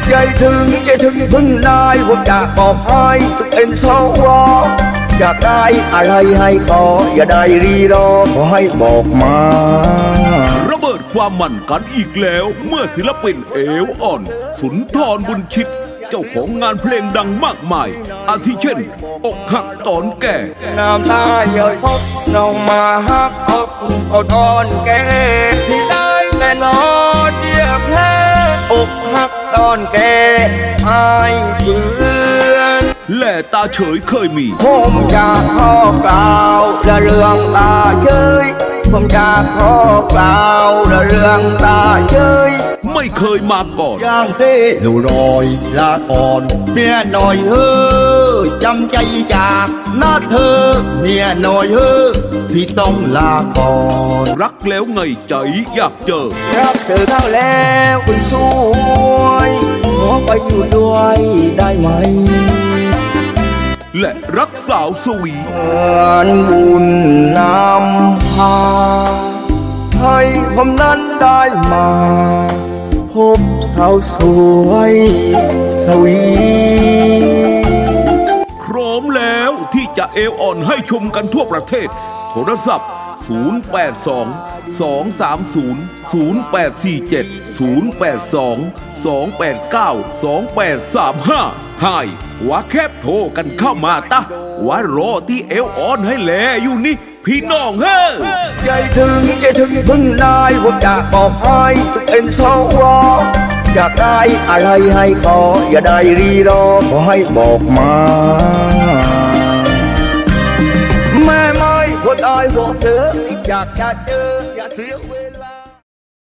ใจถึงพึ่งได้ผมอยากบอกให้ทุกเป็นสวอยากได้อะไรให้ขออย่าได้รีรอขอให้บอกมาระเบิดความมันกันอีกแล้วเมื่อศิลปินเอวอ่อนสุนทรบุญชิตเจ้าของงานเพลงดังมากมายอาทิเช่นอกหักตอนแก่น้ำตาเยอะพบน้องมาหักอกเอาตอนแก่ที่ได้แต่นอนเยียบแพ้อกหักตอนแก่อายเพื่อนแหล่ตาเฉยเคยมีผมอยากขอกล่าวและเรื่องตาเฉยผมอยากขอกล่าวและเรื่องตาเฉยไม่เคยมาก่อนย่างเซ่หนูรอยลาก่อนเมียหน่อยเฮ้อจำใจจากนาเธอเมียหน่อยเฮ้อพี่ต้องลาก่อนรักแล้วไงใจอยากเจอรักเธอทั้งแล้วคุณสวยขอไปอยู่ด้วยได้ไหมและรักสาวสวีบุญนำพาให้ผมนั้นได้มาพบสาวสวยสวีพร้อมแล้วที่จะเอวอ่อนให้ชมกันทั่วประเทศโทรศัพท์082-230-084-082-289-2835ให้ว่าแคบโทรกันเข้ามาตะว่ารอที่เอวอ่อนให้แลอยู่นี่พี่น้องเฮ้ใจถึงพึ่งได้ผมอยากบอกให้ทุกเป็นสวอยากได้อะไรให้ขออย่าได้รีรอขอให้บอกมาแม่ไม่คนอายบอกเธออยากจะเจออย่าเสีย